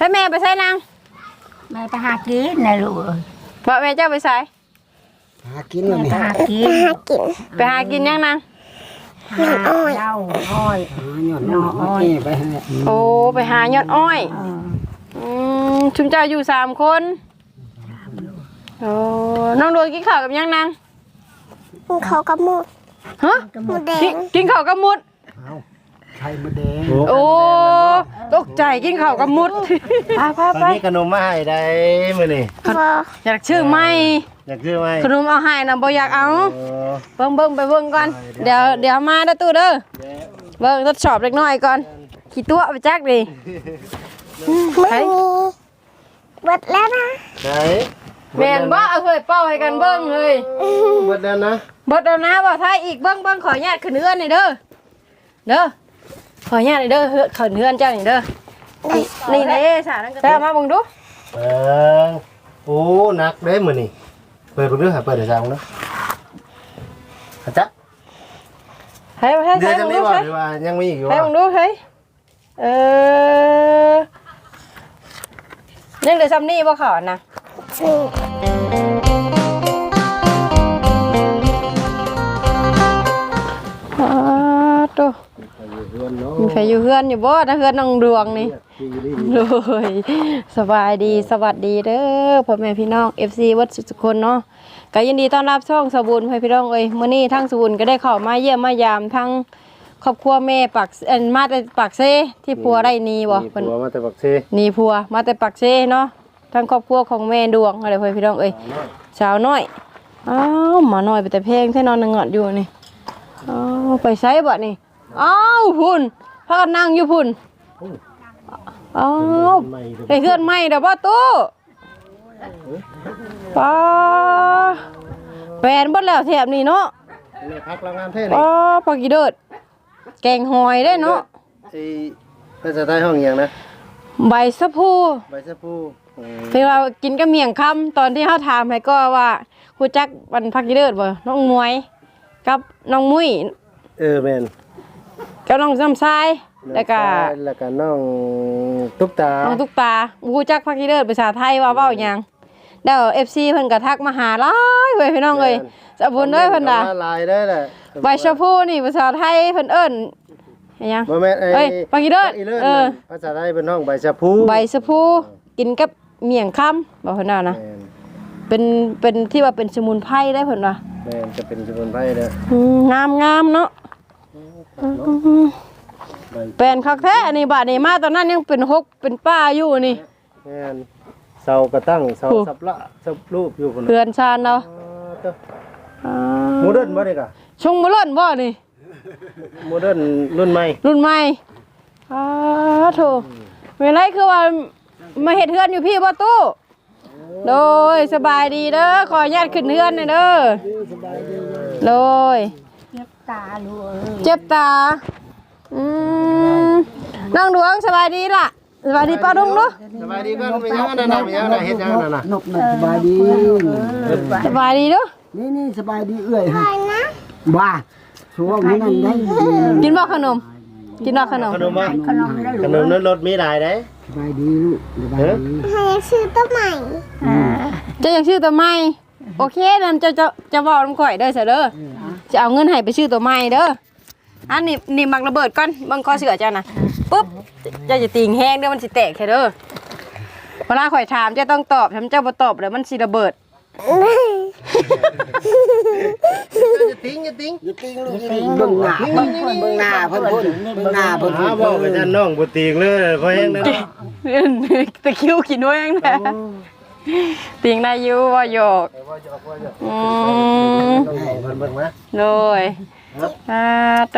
ให้แม่ไปใส่นางแม่ไปหากินนะลูกเพราะแม่เจ้าไปใส่หากินเลยไปหากินไปหากินยังนางหาเจ้าอ้อยหยอดน้อยไปให้โอ้ไปหายอดอ้อยชุมเจ้าอยู่3 คนโอ้น้องโดนกินข้าวกับยังนางเขากับหมูฮะหมูแดงกินข้าวกับมุดเอาไข่มดแดงโอ้ตกใจกินข้าวกับมุดไปตอนนี้ขนมมาให้ได้มื้อนี้บออยากชื่อไหมอยากซื้อไหมขนมเอาให้นะบ่อยากเอาโอ้เบิ่งไปเบิ่งก่อนเดี๋ยวมาเด้อตู้เด้อเบิ่งทดสอบเล็กน้อยก่อนขี้ตัวไปจักดิไม่มีเบิดแล้วนะไหนแม่นบ่เอาเคยเป้าให้กันเบิ่งเลยเบิดแล้วนะบ่เอานะบ่ถ้าอีกเบิ่งขออนุญาตขึ้นเฮือนนี่เด้อขออนุญาตนี่เด้อขึ้นเฮือนเจ้านี่เด้อนี่เด้สานั่นก็ได้มาเบิ่งดูเปิงโอ้หนักเด้มื้อนี้เปิดเบิ่งดูหาเปิดได้ซังเนาะหาจักให้เดี๋ยวจะเบิ่งมีดูบ่ให้หรือว่ายังมีอีกอยู่ให้บ่เบิ่งดูให้ยังเหลือซ้ำนี่บ่ขอนะ ตัวมีใครอยู่เฮือนอยู่บ่ถ้าเฮือนน้องดวงนี่เลยสบายดีสวัสดีเด้อพ่อแม่พี่น้อง FC วัดสุขคนเนาะก็ยินดีต้อนรับช่องสบุญให้พี่น้องเอ้ยมื้อนี้ทั้งสบุญก็ได้เข้ามาเยี่ยมมายามทั้งครอบครัวแม่ปักมาแต่ปักเซที่ผัวได้นีบ่เพิ่เพิ่นนมาแต่บักเซนีผัวมาแต่ปักเซเนาะทั้งครอบครัวของแม่ดวงอะไรเพิ่นพี่น้องเอ้ยสาวน้อยอ้าวหมาน้อยไปแต่เพลงแท้นอนนึงอดอยู่นี่อ้าวไปไสบ่นี่อ้าวพุ่นพากันนั่งอยู่พุ่นอ้าวได้เฮือนใหม่เด้อบ่ตู้ป้าแฟนเบิดแล้วแถบนี้เนาะแม่พักโรงงานเท่อ๋นี่อปลากีเดิดแกงหอยได้เนาะไอ้ภาษาใต้ห้องอิหยังนะใบสะพูใบชะพูที่เรากินกับเมี่ยงคำตอนที่เขาถามให้ก็ว่าครูจักวันพักกีเดิดบ่น้องมวยกับน้องมุ้ยแม่นกับน้องซ้ำทรายแล้วก็แล้วก็น้องตุ๊กตาน้องตุ๊กตาครูจักพักกีเดิดภาษาไทยว่าเว้าหยังแล้ว FC เพิ่นก็ทักมาหาหลายเว้ยพี่น้องเอ้ยสะบุญเด้อเพิ่นน่ะลายได้แหละใบชะพูนี่ภาษาไทยเพิ่นเอิ้นอิหยังบ่แม่นเอ้ยปลากีเดิดภาษาไทยเป็นห้องใบชะพูใบสะพูกินกับเมี่ยงคำบอกเพิ่นว่านะแม่นเป็นที่ว่าเป็นสมุนไพรได้เพิ่นว่าแม่นจะเป็นสมุนไพรเด้องามเนาะแปลนคักแท้อันนี้บาดนี้มาตอนนั้นยังเป็นหกเป็นป้าอยู่นี่แม่นเสากระตั้งเสาสับละสับรูปอยู่พุ่นเพื่อนชาญเนาะโมเดิร์นบ่ได้กะชงบ่เล่นบ่นี่โมเดิร์นรุ่นใหม่รุ่นใหม่โถเวลาคือว่ามาเฮ็ดเฮือนอยู่พี่บ่ตู้โดยสบายดีเด้อขออนุญาตขึ้นเฮือนหน่อยเด้อโดยเจ็บตาลูกเจ็บตาน้องดวงสบายดีล่ะสบายดีป้าดุงเนาะสบายดีก่อนไปยังนั่นน่ะไปยังน่ะเฮ็ดยังนั่นน่ะนกนั่นสบายดีสบายดีเด้อนี่สบายดีเอื้อยฮะบ้าช่วงนี้นั่นได้กินบ่ขนมกินบ่ขนมขนมบ่ขนมได้ขนมนั้นรถมีหลายเด้สบายดีลูกสบายดีให้ซื้อตัวใหม่จะอยากชื่อตัวใหม่โอเคนั่นจะบอกน้ำข่อยเด้อเสยเด้อจะเอาเงินให้ไปชื่อตัวใหม่เด้ออันนี่มักระเบิดก่อนบังคอเสือเจ้านะปุ๊บจะติ่งแห้งเด้อมันสิแตกแค่เด้อเวลาข่อยถามเจ้าต้องตอบทำเจ้าบ่ตอบแล้วมันสิระเบิดอย่าติ้งอย่าติ้งลูกเบิ่งหน้าเพิ่นเบิ่งหน้าเพิ่นหาบอกกับท่านน้องบ่ติงเลยเพราะแฮงนั้นตะคิวกินด้วยยังนะติ่งได้อยู่ว่าหยอกเบิ่งมาเลยโต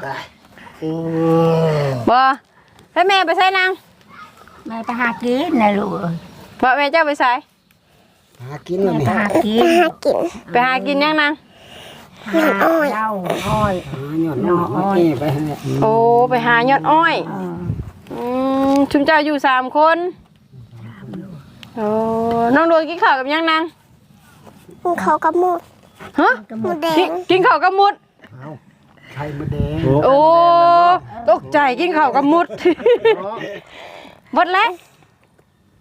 บ่ให้แม่ไปใส่นางแม่ไปหากินนะลูกบ่แม่เจ้าไปใส่หากินเลยไปหากินไปหากินยังนางหาเจ้าอ้อยหยอดน้อยไปให้โอ้ไปหายอดอ้อยชุมเจ้าอยู่3 คนโอ้น้องดวงกินข้าวกับยังนางเขากับหมูฮะหมูแดงกินข้าวกับมุดเอาไข่มดแดงโอ้ตกใจกินข้าวกับมุดหมดแล้ว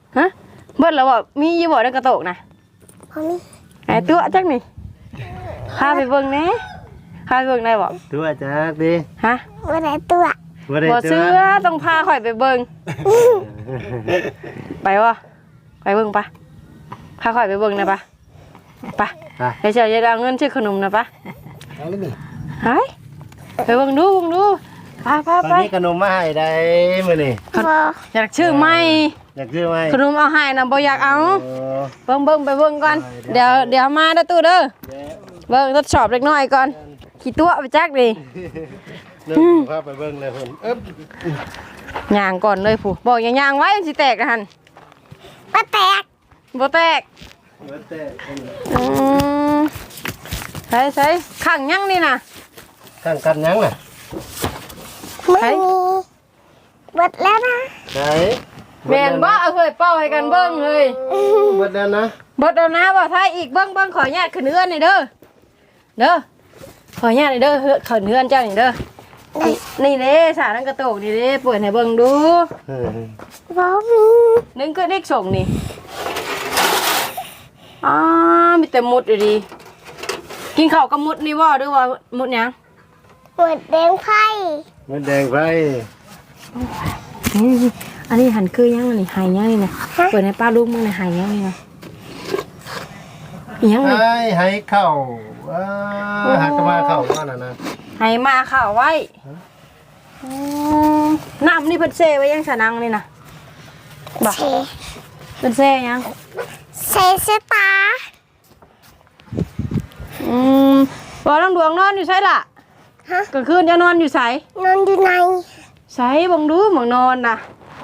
ฮะเบิดแล้วบ่มีอยู่บ่ในกระโตกนะพอมีไอ้ตัวจักนี่พาไปเบิ่งแหน่พาไปเบิ่งได้บ่ตัวจักดิฮะบ่ได้ตัวบ่ได้บ่ตัวเชื่อต้องพาข่อยไปเบิ่งไปวะไปเบิ่งปะพาข่อยไปเบิ่งนะปะปะเดี๋ยวจะเอาเงินซื้อขนมนะปะเอาเลยนี่หายไปเบิ่งดูพาตอนนี้ขนมมาให้ได้มื้อนี้บ่อยากชื่อไหมอยากซื้อไหมขนมเอาให้นะบ่อยากเอาโอ้เบิ่งไปเบิ่งก่อนเดี๋ยวมาเด้อตู้เด้อเบิ่งทดสอบเล็กน้อยก่อนขี้ตัวไปจักดินึกภาพไปเบิ่งเลยเพิ่นอึ๊บย่างก่อนเลยผู้บอกอย่าย่างไว้มันสิแตกนะหั่นบ่แตกบ่แตกเบิดแต่อืมใส่ขังยังนี่น่ะข้างกันยังน่ะไม่มีเบิดแล้วนะไหนแม่นบ่เอาเฮ้ยเป้าให้กันเบิ่งเฮ้ยเบิดแล้วนะเบิดแล้วนะบ่ถ้าอีกเบิ่งขออนุญาตขึ้นเฮือนนี่เด้อขออนุญาตนี่เด้อขึ้นเฮือนเจ้านี่เด้อนี่เด้สารังกระโตกนี่เด้เปิดให้เบิ่งดูบ่มีนึงก็เด็กส่งนี่มีแต่มุดอยู่ดีกินข้าวกับมุดนี่บ่หรือว่ามุดหยังเบิดแดงไผ่มันแดงไปอันนี้หันคือยังอันนี้หายยังนี่นะเปิดให้ป้าลูกมึงนะหายยังนี่นะยังนี่ให้เข้าหักมาเข้าว่าน่ะนะหายมาข่าวไว้น้ำนี่เพิ่นเซไว้ยังสนังนี่นะบ่เซเพิ่นเซยังเซสตาบ่ต้องดวงนอนอยู่ไสล่ะฮะกลางคืนจะนอนอยู่ไสนอนอยู่ในไสบังดูบังนอนน่ะ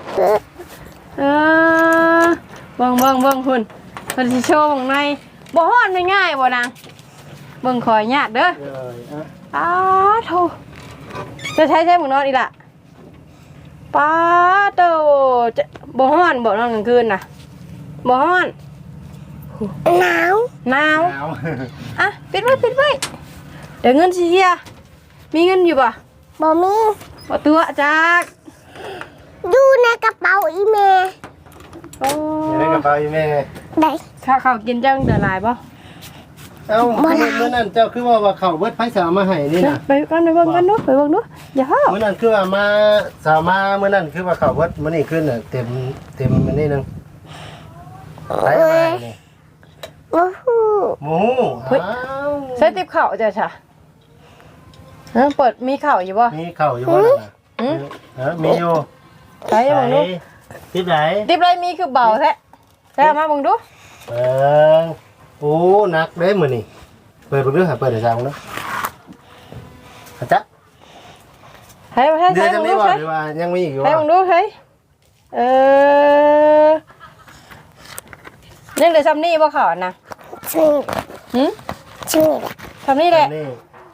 บังพุ่นเพิ่นสิโชว์บังในบ่ฮ้อนง่ายๆบ่นางเบิ่งขอยยากเด้อโธ่จะใช้บังนอนอีกล่ะป้าโตจะบ่ฮ้อนบ่นอนกลางคืนน่ะบ่ฮ้อนหนาวหนาวเอาอ่ะปิดไว้เดี๋ยวเงินสิเฮียมีเงินอยู่ป่ะบ่มีบ่ตัวจักอยู่ในกระเป๋าอีเมลโอ้อยู่ในกระเป๋าอีแม่ได้ข้าวกินจังเดือดหลายป่ะเอ้าเมื่อนั้นเจ้าคือว่าเขาเบิดไผสาวมาให้นี่น่ะไปกันไปเบิ่งกันดูอย่าห้าวเมื่อนั้นคือว่ามาสาวมาเมื่อนั้นคือว่าเขาเบิดมื้อนี้ขึ้นน่ะเต็มมันนี่นึงไปมานี่บ่ฮู้หมูอ้าวใส่ติ๊บข้าวจ้ะค่ะเปิดมีข้าวอยู่ป่ะมีเข้าอยู่บ่นั่นน่ะมีอยู่ใส่บังดูทิศไหนติ๊บไรมีคือเบาแท้ใส่มาบังดูโอ้หนักเด้มื้อนี้เปิดเบิ่งดูหาเปิดได้จังเนาะจ๊ะใส่เดี๋ยวจะบังมีดูบ่ใส่หรือว่ายังมีอีกอยู่ใส่บ่บังดูใส่ยังเหลือซ้ำนี่ป่ะข้าวนะชื่อหืมชื่อซ้ำนี่แหละนี่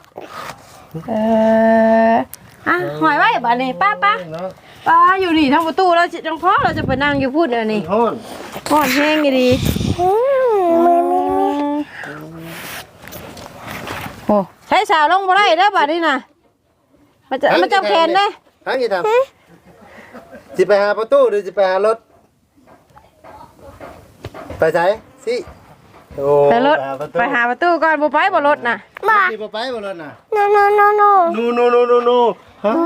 หอยไว้บ้านนี้ป้าเนาะอยู่นี่ทางประตูแล้วจังพ่อเราจะไปนั่งอยู่พูดเดี๋ยวนี้โฮ้นห่อนแห้งอยู่ดีมือมีโอ้ใช้สาวลงบ่ได้เด้อบ้านนี้น่ะมันจับแขนเด้ทางกี่ทำสิไปหาประตูหรือสิไปหารถไปไสสิโอ้ไปรถไปหาประตูก่อนบ่ไปบ่รถน่ะบ่สิบ่ไปบ่รถน่ะโนนูฮะ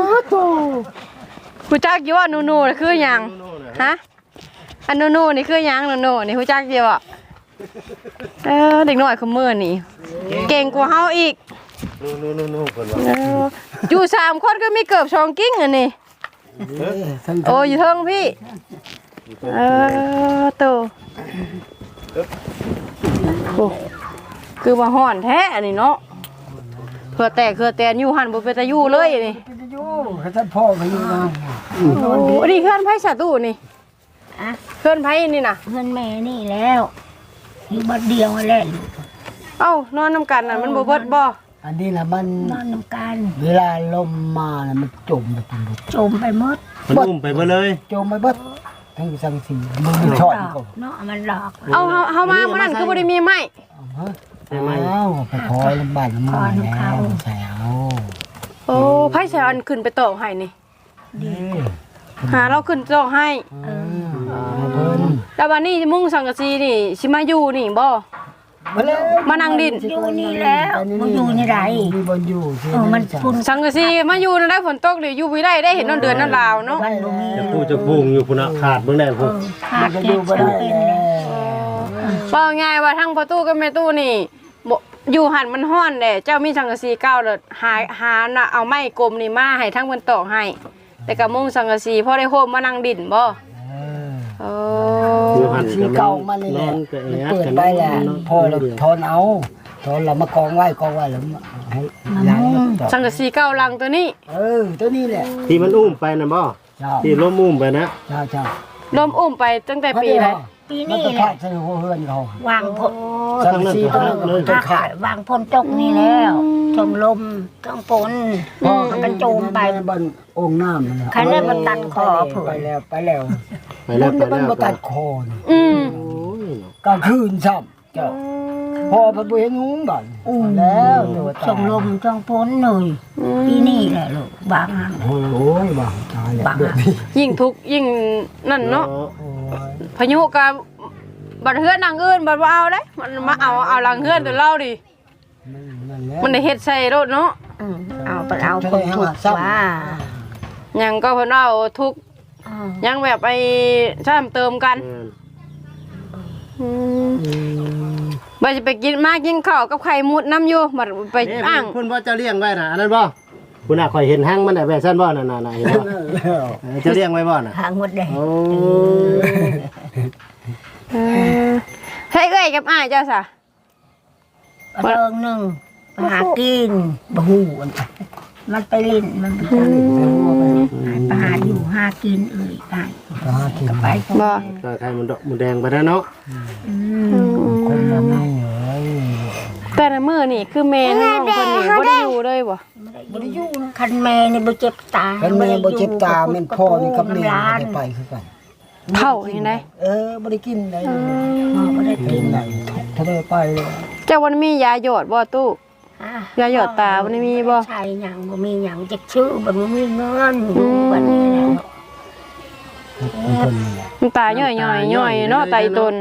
ฮู้จักอยู่ว่านูๆน่ะคือหยังฮะอันนูๆนี่คือหยังนูๆนี่ฮู้จักอยู่บ่เด็กน้อยคือมื้อนี่เก่งกว่าเฮาอีกนูเพิ่นว่าอยู่3คนก็มีเกือบ2กิ้งอันนี้โอ้อยู่เทิงพี่โตโอ้คือว่าฮ้อนแท้อันนี้เนาะเพื่อแต่อยู่หันบ่เป็นตาอยู่เลยอันนี้อยู่ให้ท่านพ่อไปอยู่นะโอ้อันนี้เคลื่อนไผสาตู้นี่เคลื่อนไผนี่น่ะเงินแม่นี่แล้วอยู่บัดเดียวนั่นแหละเอ้านอนนํกันน่ะมันบ่เบิดบ่อันนี้นะมันนอนนำกันเวลาลมมาน่ะมันจมไปตรงนี้จมไปหมดมันอุ้มไปบ่เลยจมไปเบิดทั้งสังสีมันมีช่อยดอก็กเนาะมันหลอกเอาเฮามามื้อนั้นคือบ่ได้มีไม้อ้าวไปขอลำบากลำบากแล้วใส่เอาโอ้ไผสิอันขึ้นไปตอกให้นี่หาเราขึ้นจองให้เพิ่นแล้ววันนี้มุ่งสังกะสีนี่สิมาอยู่นี่บ่มาแล้วมานั่งดินอยู่นี่แล้วมันอยู่นี่ไรมีบ่อยู่สิมันพุ่นสังกะสีมาอยู่นั่นได้ฝนตกเดี๋ยวอยู่บ่ได้เห็นเดือนนั่นลาวเนาะมันบ่มีจะพูดจะพุงอยู่พุ่นน่ะขาดเบิ่งได้พุ่นขาดเก็บบ่ได้เป็นเลยว่าง่ายว่าทั้งประตูกับแม่ตู้นี่บ่อยู่หันมันฮ้อนแหละเจ้ามีสังกะสีเก่าแล้วหาน่ะเอาไม้กลมนี่มาให้ทั้งเพิ่นตอกให้ แต่ก็มุ่งสังกะสีพอได้โฮมมานั่งดินบ่โอ้อยู่หันสีเก่ามานี่แหละก็แอเปิดไปแล้วพอเราทอนเอาทอนเรามากองไว้แล้วให้ย้ายต่อสังกะสีเก่าหลังตัวนี้ตัวนี้แหละที่มันอุ้มไปน่ะบ่เจ้าที่ล้มอุ้มไปนะเจ้าลมอุ้มไปตั้งแต่ปีไหนปีมันนี้ก็แหขาละดใส่หัวเฮือนเขาวางพ่นสังสีตัวเลยขาดวางพ่นตกนี่แล้วชมลมต้องฝนมันกระโจมไปบนองค์น้ำใครได้มาตัดคอเผื่อไปแล้วไปแล้วไปแล้วมันมาตัดคออืมโอ้ยกลางคืนซ้ำเจ้าพอพระบุญงูบ่อนแล้วเดี๋ยวชมลมต้องฝนหน่อยปีนี้แหละลูกบางหันโอ้ยบ่าวตายแล้วบางเด็กหันยิ่งทุกข์ยิ่งนั่นเนาะโอ้ยพายุกับบัดเฮือนนางอื่นบัดว่าเอาได้มันมาเอาหลังเฮือนตัวเราดินั่นแหละมันได้เฮ็ดใส่รถเนาะเอาไปเอาคนถูกว่าหยังก็เพิ่นเอาทุกข์ยังแบบไปซ้ำเติมกันอืมบ่สิไปกินมากินข้าวกับไข่มุดน้ำอยู่บัดไปนี่อ้างเพิ่นว่าจะเลี้ยงไว้น่ะอันนั้นบ่คุณน่ะข่อยเห็นหั่งมันได้แบบซั่นบ่นั่นๆๆเห็นบ่นั่นแล้วจะเลี้ยงไว้บ่น่ะหางหมดเลยโอ้เฮ้ยเอ้ยกับอ้ายเจ้าซะเริงหนึ่งไปหากินบะหูมันไปลิ้นมันไปลิ้นไปหาอยู่หากินไปไปบ่ก็ไข่มันดอกมันแดงไปแล้วเนาะคนละไม่เอ้ยแต่ละมื้อนี่คือแม่น้องเพิ่นนี่บ่ได้อยู่เลยบ่บริยูคันแม่นี่บ่เจ็บตาคันแม่บ่เจ็บตาแม่นพ่อนี่กับแม่ได้ไปคือกันเข้าอย่างไดบ่ได้กินได้บ่ได้กินได้ถ้าได้ไปเลยเจ้าวันมียาหยอดบ่ตู้ยาหยอดตาวันมีบ่ใช่หยังบ่มีหยังจักชื่อบ่มีเงินบัดนี้แหละคนนี่แหละมันตาย่อยๆย่อยเนาะไตตน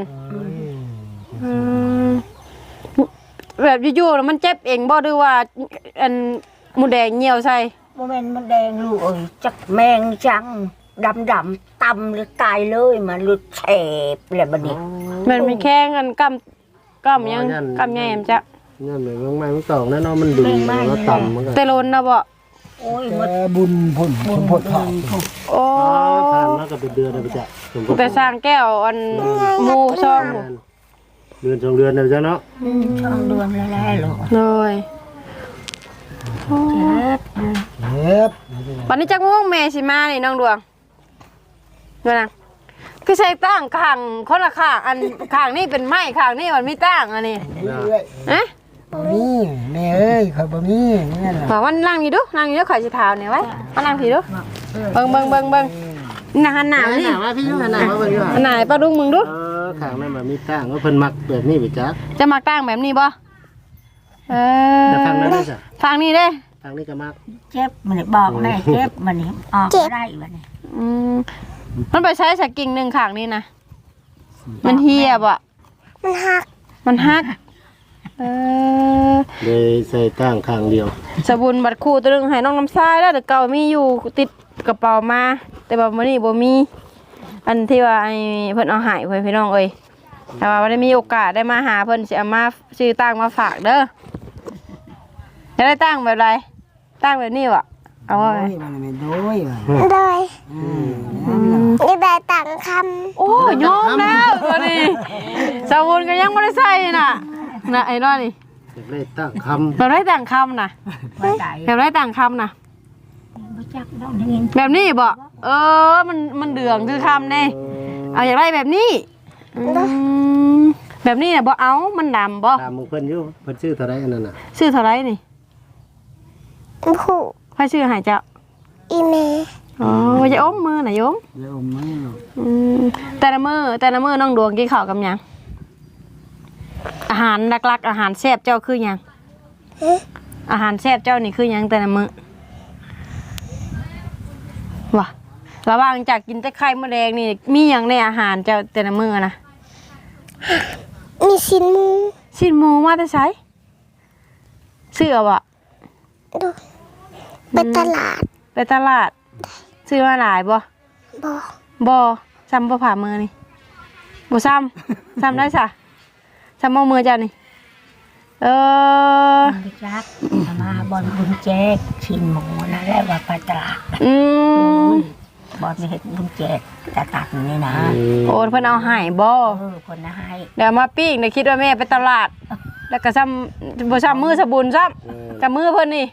แบบอยู่ๆแล้วมันเจ็บเองบ่หรือว่าอันหมูแดงเหี่ยวใส่บ่แม่นมันแดงลูกเอ้ยจักแมงจังดำๆต่ำหรือตายเลยมันหลุดแฉบแล้วบัดนี้มันมีแข้งกันกำยังกำใหญ่แม่นจ้ะนั่นแหละมันไม่มันตอกแน่นอนมันดึงแล้วต่ำมันก็เตโลนนะบ่โอ้ยแต่บุญพุ่นพุ่นพดผ่านโอ้ผ่านมาก็เป็นเดือนแล้วไปจ้ะแต่สร้างแก้วอันหมู่ซ่องเดือน2เดือนแล้วจ้ะเนาะช่องเดือนแล้วลูกเลยเจ็บเจ็บวันนี้จักม่วงแม่สิมานี่น้องดวงดูนะคือใช้ตั้งข้างคนละข้างอันข้างนี่เป็นไม้ข้างนี่มันมีตั้งอันนี้เรื่อยเอ๊ะบ่มีแม่เอ้ยเขาบ่มีนี่ล่ะมาวันนั่งนี่ดูนั่งนี่ดูข่อยสิถามเนี่ยไว้มานั่งพี่ดูเบิ่งหนาหนาวนี่มาพี่อยู่หน้ามาเบิ่งอยู่หนาป้าดุงมึงดูข้างนั้นมันมีตั้งว่าเพิ่นมักแบบนี้ไปจ้ะจะมาตั้งแบบนี้บ่เออแต่ฟังนั้นได้จ้ะฟังนี่เด้ฟังนี้ก็มักเจ็บมันบอกแม่เจ็บมันนี่ออกได้บัดนี้อืมมันไปใช้สกิ่งหนึ่งข้างนี่นะมันเหียบอ่ะมันหักเออเลยใส่ตั้งข้างเดียวสบุนบัดคู่ตัวนึงให้น้องน้ำทรายแล้วแต่เก่ามีอยู่ติดกระเป๋ามา แต่ว่ามื้อนี้บ่มี อันที่ว่าไอ้เพิ่นเอาใหายเพิ่นพี่น้องเอ้ยแต่ว่าบ่ได้มีโอกาสได้มาหาเพิ่นสิเอามาซื้อตั้งมาฝากเด้อจะได้ตั้งแบบไรตั้งแบบนี้วะเอาไว้โอ้ยมันไม่โดยว่ะโดย นี่ได้ต่างคโอ้ยยอมแล้วตัวนี้สบุนก็ยังบ่ได้ใส่น่ะไอ้น้อยนี่เลยตั้งคแบบไรต่างคำน่ะบ่ได้แบบไรต่างคำน่ะบ่จักดอกนี้แบบนี้บ่มันเดืองคือคำนี่เอาอยากได้แบบนี้แบบนี้น่ะบ่เอามันดำบ่ำตามมึงเพิ่นอยู่เพิ่นชื่อเท่าไรอันนั้นน่ะซื้อเท่าไรนี่ำผู้ใครซื้อให้เจ้าอีเมอ๋อจะอมมือน่ะโยมเดี๋ยวไม่หรอกแต่ละมื้อน้องดวงกินข้าวกับหยังอาหารหลักๆอาหารแซ่บเจ้าคือหยังอาหารแซ่บเจ้านี่คือหยังแต่ละมื้อว่ะระหว่างจากกินแต่ไข่มดแดงนี่มีหยังในอาหารเจ้าแต่ละมื้อนะมีสินหมูชิ้นหมูมาแต่ไสซื้อเอาบ่ดูไปตลาดไปตลาดซื้อมาหลายบ่บ่บ่ซ้ำบ่ผ่ามือนี่บ่ซ้ำ ซ้ำได้ซะซ้ำบ่มือเจ้านี่ไปจักมาบอลบุญแจกชินหมูนั่นแหละว่าไปตลาดอืมบอลเห็ดบุญแจกจะตักนี่นะโอ้เพิ่นเอาให้บ่คนนะให้เดี๋ยวมาปิ้งเดี๋ยวคิดว่าแม่ไปตลาด แล้วก็ซ้ำบ่ซ้ำมือสบุญซ้ำกับมือเพิ่นนี่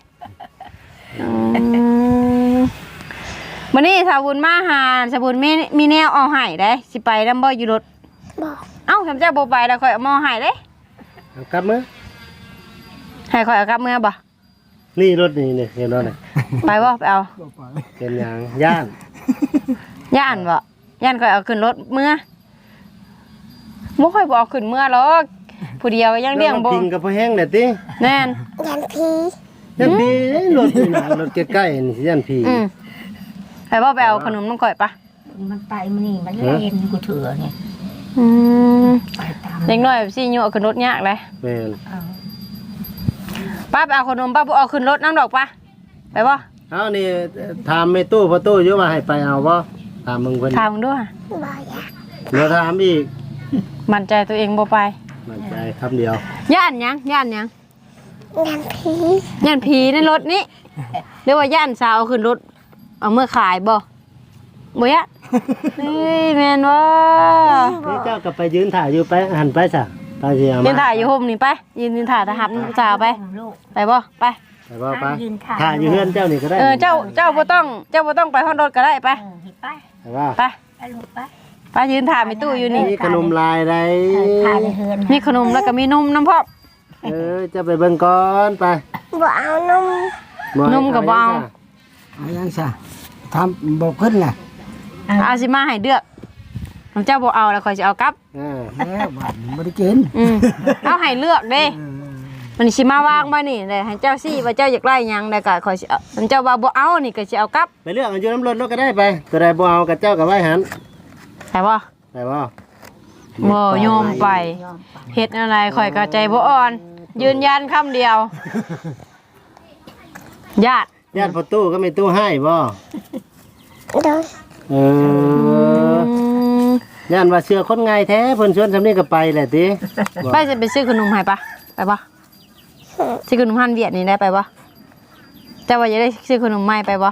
มื้อนี้สาบุญมาหาสบุญมีแนวเอาให้ได้สิไปนำบ่อยู่รถบ่เอ้าสำเจ้าบ่ไปแล้วข่อยเอามาให้เด้เอากลับมือให้ข่อยเอากลับมือบ่นี่รถนี่เห็นบ่นี่ไปบ่ไปเอาเป็นหยังย่านย่านบ่ย่านข่อยเอาขึ้นรถมือบ่ค่อยบ่เอาขึ้นมือหรอกผู้เดียวยังเลี้ยงบ่กินกับพ่อแห้งแหละติแน่นยันพียันพี่รถนี่นะรถใกล้ๆนี่สิยันพี่ไปบ่ไปเอาขนมน้ำข่อยปะมันไปมันนี่มันเล่นกูเถื่อเนี่ยไปตามเด็กน้อยแบบสิอยู่เอาขึ้นรถยากเลยแม่นป้าไปเอาขนมป้าบ่เอาขึ้นรถน้ำดอกปะไปบ่เอานี่ถามแม่ตู้พ่อตู้อยู่ว่าให้ไปเอาบ่ถามมึงเพิ่นถามมึงด้วยบ่อยากเดี๋ยวถามอีกมั่นใจตัวเองบ่ไปมั่นใจคำเดียวย่านหยังย่านหยังยันพีย่านผีในรถนี้หรือว่าย่านสาวเอาขึ้นรถเอาเมื่อขายบ่บ่ยะเฮ้ยแม่นว่านี่เจ้าก็ไปยืนถ่ายอยู่ไปหันไปซะไปสิเอายืมานถ่ายอยู่ห่มนี่ไปยืนถ่ายทหารสาวไปลูกไปบ่ไปไปบ่ไปถ่ายอยู่เฮือนเจ้านี่ก็ได้เจ้าบ่ต้องไปห้องรถก็ได้ไปไปไปว่าไปไปลูกไปไปยืนถ่ายมีตู้อยู่นี่มีขนมลายใดพาไปเฮือนมีขนมแล้วก็มีนมน้ำพอกจะไปเบิ่งก่อนไปบ่เอานมนมกับบ่เอาเอายังซะทำบอกเพิ่นน่ะเอาสิมาให้เดือกของเจ้าบ่เอาแล้วข่อยสิเอากลับแล้วบ้านบ่ได้กินเอาให้เลือกเด้มันสิมาวางบ่นี่ได้ให้เจ้าซี่ว่าเจ้าอยากได้หยังได้ก็ข่อยสิเอามันเจ้าว่าบ่เอานี่ก็สิเอากลับไปเลือกอยู่น้ำรถรถก็ได้ไปตัวใดบ่เอากับเจ้ากับไว้หันแต่บ่ไปบ่บ่ยอมไปเฮ็ดอะไรข่อยก็ใจบ่อ่อน ยืนยันคำเดียวญาติญาติพ่อตู้ก็ไม่ตู้ให้บ่โดยเออย่านว่าเชื่อคนง่ายแท้เพิ่นชวนซำนี้ก็ไปแหละติไปจะไปซื้อขนมให้ปะไปบ่ซื้อขนมฮั่นเวียดนี่ได้ไปบ่เจ้าว่าจะได้ซื้อขนมใหม่ไปบ่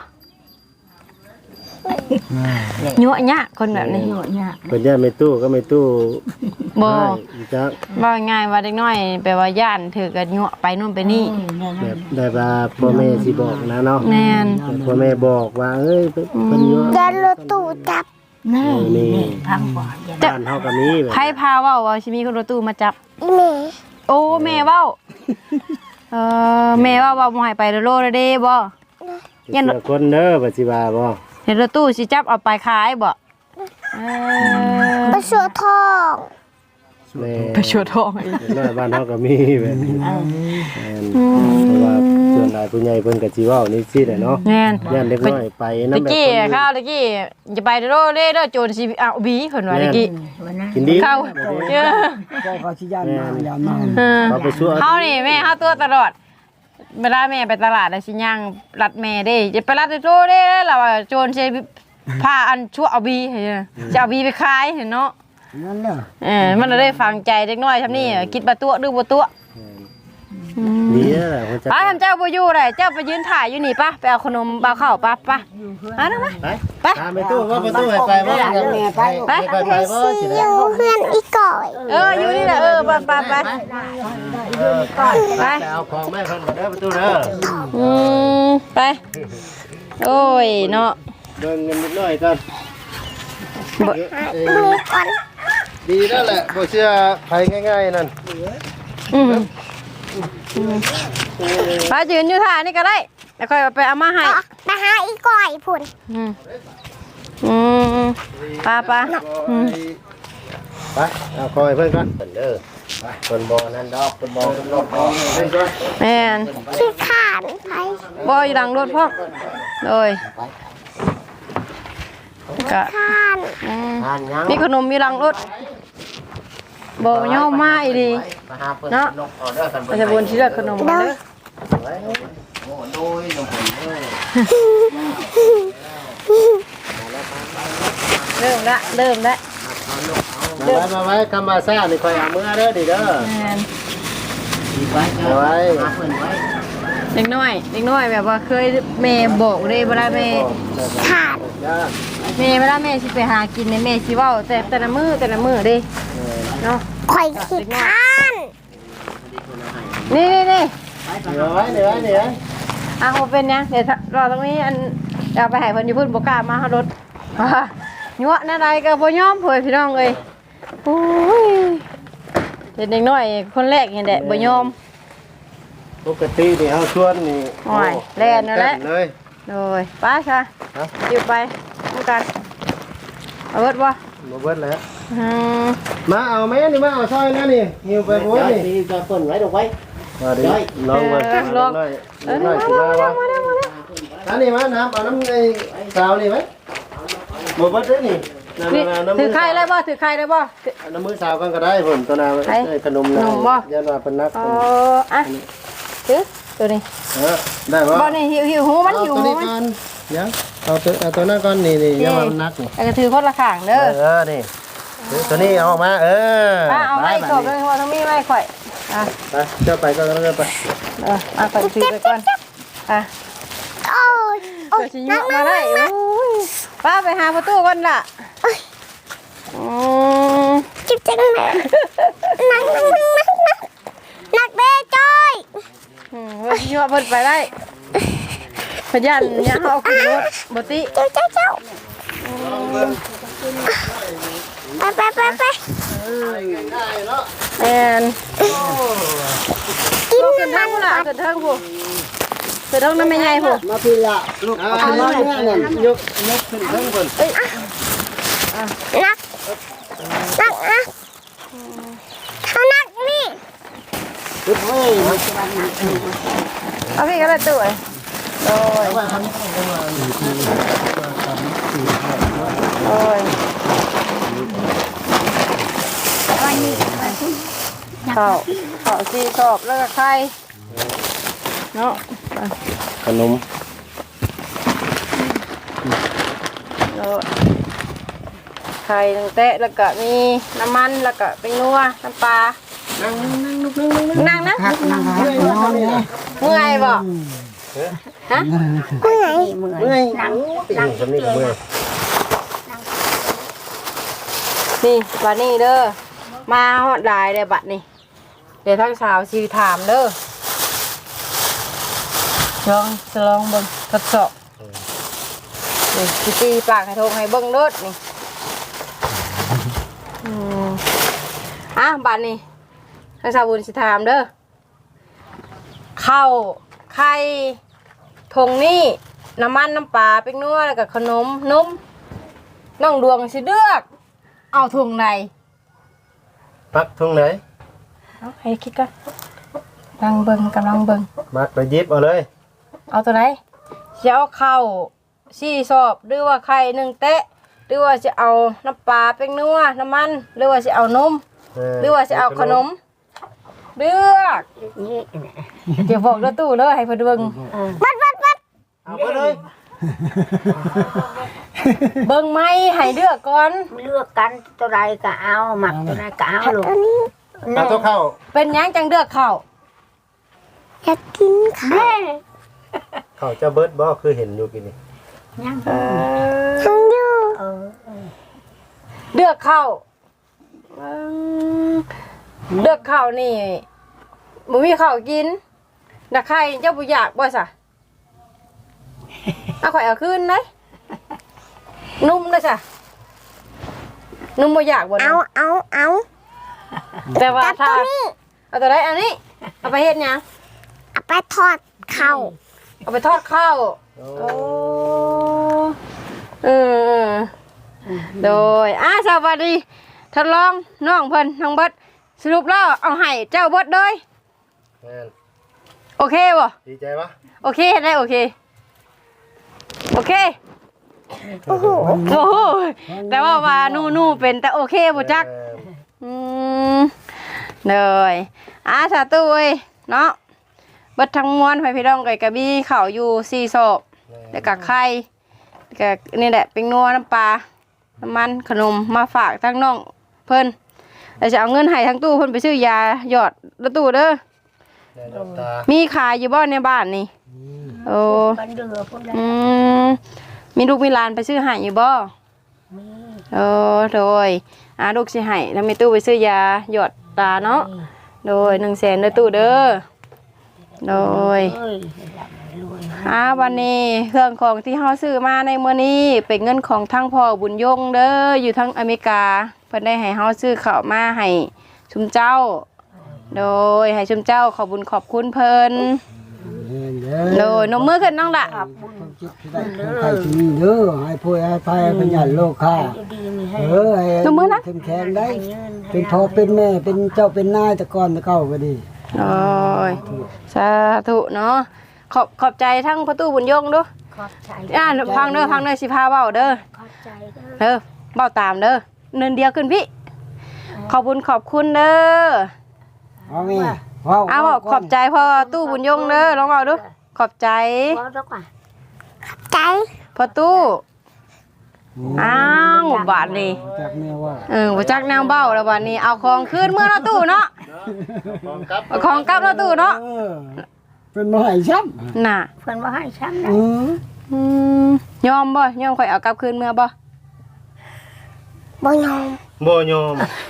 ยั่วญะคนแบบนี้เนี่ยเพิ่นญาติไม่ตู้ก็ไม่ตู้บ่ให้จักว่าง่ายว่าเด็กน้อยแปลว่าย่านถือกันยั่วไปนู่นไปนี่แบบได้ว่าพ่อแม่สิบอกนะเนาะแม่นแต่พ่อแม่บอกว่าเอ้ยเพิ่นอยู่ยันรถตู้จับนี่พังบ่อบ้านเฮาก็มีแบบไผพาเว้าว่าสิมีคนรถตู้มาจับอีเมโอ้แม่เว้าแม่เว้าว่าบ่ให้ไปโลดเด้บ่เชื่อคนเด้อว่าสิว่าบ่เห็นรถตู้สิจับเอาไปขายบ่ไปสัวทองแม่ไปชวดทองอีกน้อยบ้านเฮาก็มีแบบนี้เพราะว่าส่วนหลายผู้ใหญ่เพิ่นก็สิเว้านี่สิแหละเนาะแม่นย่านเด็กน้อยไปนำตะแบบกี้ข้าวตะกี้จะไปโลดเด้โจรสิเอาบีเพิ่นว่าตะกี้กินดีเข้าแบบนี้เออก็ขอสิย่านมาย่านมาเอาไปช่วยเฮานี่แม่เฮาตัวตลอดเวลาแม่ไปตลาดแล้วสิย่างรัดแม่เด้จะไปรัดโตเด้แล้วว่าโจรสิพาอันชั่วเอาบีให้จะเอาบีไปขายเห็นเนาะนั่นแหละมันได้ฟังใจเด็กน้อยทำนี่คิดบ่ตัวดื้อบ่ตัวดีแล้วแหละคนจะป้าทำเจ้าบ่อยู่ได้เจ้าไปยืนถ่ายอยู่นี่ป่ะไปเอาขนมเอาข้าวป่ะป่ะมาเนาะมาไปไปตามไปตู้ว่าประตูให้ไปบ่ไปบ่สิอได้ยู่เพื่อนอีก่อยอยู่นี่แหละไปไปไปไปเอาของแม่เพิ่นมาเด้อประตูเด้อไปโอ้ยเนาะเดินเงินนิดหน่อยก่อนมือก่อนดีแล้วแหละบ่เชื่อไผง่ายๆนั่นป้ายืนอยู่ท่านี่ก็ได้แล้วค่อยไปเอามาให้ไปหาอีก่อยพุ่นป้าไปเอาคอยเพิ่นก่อนเด้อไปเพิ่นบ่นั่นดอกเพิ่นบ่เพิ่นรถบ่เพิ่นก่อนแม่นขี้ขานไปบ่อยู่หลังรถพ่อโดยก็ทานทานยังมีขนมมีรังรถบ่ยอมมาอีดีมาหาเพิ่นเนาะนกออเดอร์กันอาจจะบนที่เลือกขนมกันเด้อไว้โอ้โดยน้องผมเอ้ยเริ่มละมาไว้คำมาซ่านี่คอยเอามือเด้อดิเด้อแม่นเอาไว้เด็กน้อยแบบว่าเคยแม่บอกเลยเวลาแม่ทานเวลาแม่สิไปหากินในแม่สิเว้าแต่ละมื้อเด้เนาะข่อยขี้ทานนี่เดี๋ยวไว้อ่ะบ่เป็นหยังเดี๋ยวรอตรงนี้อันเอาไปให้เพิ่นอยู่พุ่นบ่กล้ามาเฮารถยั่วแนวใดก็บ่ยอมเผยพี่น้องเอ้ยโอ้ยเด็กน้อยคนแรกนี่แหละบ่ยอมปกตินี่เฮาชวนนี่โอ้ยแล่นนั่นแหละเลยโดยไป้าค่ะอยู่ไปดูกันเอาเบิดบ่บ่เบิดแล้วอืมมาเอาแม่นี่มาเอาซอยนะนี่หิวไปโพดนี่นี่จะเปิดไว้ดอกไว้มาดิลองมาลองมาสิมาว่าอันนี้มาน้ำเอาน้ำในสาวนี่ไหมบ่เบิดเด้อนี่น้ำถือใครเลยบ่ถือใครเลยบ่น้ำมือสาวกันก็ได้ผมตัวนาได้ขนมนะยันว่าเป็นนักอ๋ออ่ะถือตัวนี้ได้บ่บ่นี่หิวหูมันหิวตัวหูนี้มันก่อนยังเอาตัวนั้นก่อนนี่ยันว่ามันนักนี่แล้วก็ถือคนละข้างเด้อนี่ตัวนี้เอาออกมาเอาไม้กบเลยว่าทั้งมีไม้ข่อยอ่ะไปเจ้าไปก็เริ่มไปข่อยถือไปก่อนอ่ะโอ้ยโอ้เดี๋ยยวสิยกมาได้ป้าไปหาประตูก่อนล่ะจิบจังเลยนักเด้จ้อยเพิ่นยั่วเพิ่นไปได้พยันเนี่ยเอาขึ้นรถบ่ติเจ้าไปแอนกินขึ้นทางพุ่นล่ะขึ้นทางพุ่นขึ้นทางน้ำแม่ใหญ่พุ่นมาพี่ละลูกเอาน้อยเนี่ยยกขึ้นข้างบนนักนะเขานักนี่ลูกเฮ้ยเอาพี่ก็ได้ตู้โอ้ยโอ้ยข้าวซีชอบแล้วก็ไข่เนาะขนมไข่ตั้งแต่แล้วก็มีน้ำมันแล้วก็เป็นนัวน้ำปลานั่งนะเมื่อยบ่ฮะเมื่อยติ่งสำนีกับเมื่อยนี่บัดนี้เด้อมาฮอดหลายเลยบัดนี้เดี๋ยวทั้งสาวสิถามเด้อลองเบิ่งทดสอบนี่สิตีปากให้ทงให้เบิ่งเด้อนี่บัดนี้ทั้งสาวบุญสิถามเด้อข้าวไข่ทงนี่น้ำมันน้ำปลาเป็กนัวแล้วก็ขนมนุ่มน้องดวงสิเลือกเอาถุงไหนปักทุ่งไหนเอาให้คิดกันกำลังเบิ่งมัดไปยิบเอาเลยเอาตัวไหนจะเอาข้าวสี่สอบหรือว่าไข่หนึ่งเตะหรือว่าจะเอาน้ำปลาเป็กนัวน้ำมันหรือว่าจะเอานมหรือว่าจะเอาขนมเลือกเดี๋ยวบอกเด้อตู้เด้อให้เพิ่นเบิ่งเอาไปเลยเบิ่งไหมให้เลือกก่อนเลือกกันตัวใดก็เอาหมักตัวใดก็เอาลูกเอาตัวเข้าเป็นหยังจังเลือกข้าวอยากกินข้าวเข้าเจ้าเบิร์ดบ่คือเห็นอยู่กินนี่ยังทั้งอยู่เลือกข้าวเลือกข้าวนี่บ่มีข้าวกินนักไข่เจ้าบ่อยากบ่ซะเอาข่อยเอาคืนได้นุ่มนะจ้ะนุ่มบ่อยากบ่เอานุ่มแต่ว่าจับถ้าตัวนี้เอาตัวใดอันนี้เอาไปเฮ็ดหยังเอาไปทอดข้าวเอาไปทอดข้าวโอ้โดยสวัสดีทดลองน้องเพิ่นน้องเบิดสรุปแล้วเอาให้เจ้าเบิดเลยแม่นโอเคบ่ดีใจปะโอเคได้โอเคโอ้โหโอ้โหแต่ว่านู่เป็นแต่โอเคบ่จักเลยสาตุยเนาะเบิดทั้งมวลไปพี่น้องไก่กระบี่เข่าอยู่4ศพแล้วก็ไข่ก็นี่แหละเป็นนัวน้ำปลาน้ำมันขนมมาฝากทั้งน้องเพิ่นแล้วจะเอาเงินให้ทั้งตู้เพิ่นไปซื้อยาหยอดแล้วตู้เด้อมีขายอยู่บ่ในบ้านนี่โอ้บันเดือพวกนั้นมีลูกมีหลานไปซื้อให้อยู่บ่มีโดยลูกสิให้แล้วมีตู้ไปซื้อยาหยอดตาเนาะโดย100,000เด้อตู้เด้อโดยเอ้ยรวยวันนี้เครื่องของที่เฮาซื้อมาในมื้อนี้เป็นเงินของทั้งพ่อบุญยงเด้ออยู่ทั้งอเมริกาเพิ่นได้ให้เฮาซื้อข้าวมาให้ชุมเจ้าโดยให้ชุมเจ้าขอบุญขอบคุณเพิ่นโดยนมมือขึ้นน้องละความคิดที่ได้ของใครที่นี่เด้อให้พูดให้พายเป็นญาติโลกค่ะดีมีให้ให้เข้มแข็งได้เป็นพ่อเป็นแม่เป็นเจ้าเป็นนายแต่ก่อนแต่เก่าก็ดีโอ้ยสาธุเนาะขอบใจทั้งประตูบุญยงดูขอบใจพังเด้อสิพาเว้าเด้อขอบใจเด้อเว้าตามเด้อเนินเดียวขึ้นพี่ขอบคุณขอบคุณเด้อเอาแม่ว้าวเอาบอกขอบใจพ่อตู้บุญยงเด้อลองเว้าดูขอบใจขอบใจใจพ่อตู้อ้าวบาดนี้จากแม่ว่าบ่จักแนวเบ้าแล้วบาดนี้เอาของคืนเมื่อเนาะตู้เนาะเอาของกลับเนาะตู้เนาะเป็นบ่ให้ช้ำน่ะเพื่อนว่าให้ช้ำนะยอมบ่ยอมข่อยเอากลับคืนเมื่อบ่บ่ยอมบ่ยอม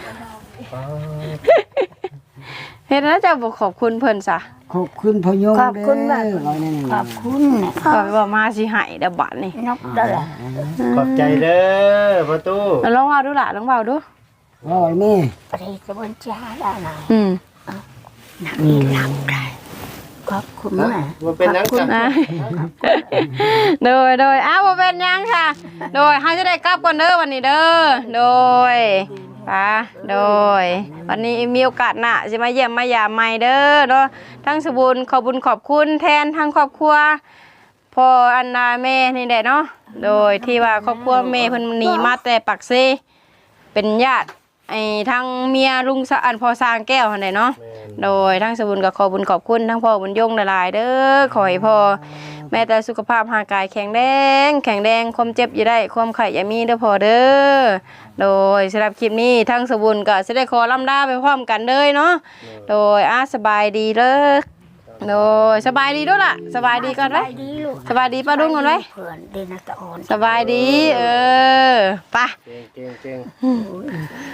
เฮ็ดแล้วจะบ่ขอบคุณเพิ่นซะขอบคุณพ่อยงขอบคุณแบบเอานี่ขอบคุณนะข่อยว่ามาสิให้เด้อบัดนี้นกเด้อขอบใจเด้อประตูลองเว้าดูล่ะลองเว้าดูว้าวแม่ประเทศกระบวนจ้าได้นะอืมขอบคุณนะว่าเป็นนังจักนะโดยบ่เป็นหยังค่ะ โดยเฮาจะได้กลับก่อนเด้อวันนี้เด้อโดยโดยวันนี้มีโอกาสหน้าสิมาเยี่ยมมายามใหม่เด้อเนาะทั้งสบุญขอบุญขอบคุณแทนทั้งครอบครัวพ่ออันนาแม่นี่แหละเนาะโดยที่ว่าครอบครัวแม่เพิ่นหนีมาแต่ปักเซเป็นญาติไอ้ทั้งเมียลุงอันพ่อสร้างแก้วหั่นแหละเนาะโดยทั้งสบุญก็ขอบุญขอบคุณทั้งพ่อบุญยงหลายๆเด้อขอให้พ่อแม่แต่สุขภาพร่างกายแข็งแรงความเจ็บอย่าได้ความไข้อย่ามีเด้อพ่อเด้อโดยสำหรับคลิปนี้ทั้งสบุญก็สิได้ขอล่ำลาไปพร้อมกันเลยเนาะโดยสบายดีเด้อโดยสบายดีด้วยล่ะสบายดีก่อนไว้ดีลูกสบายดีป้าดุ้งก่อนไว้เพื่อนเดนัตะออนสบายดีไปเก่ง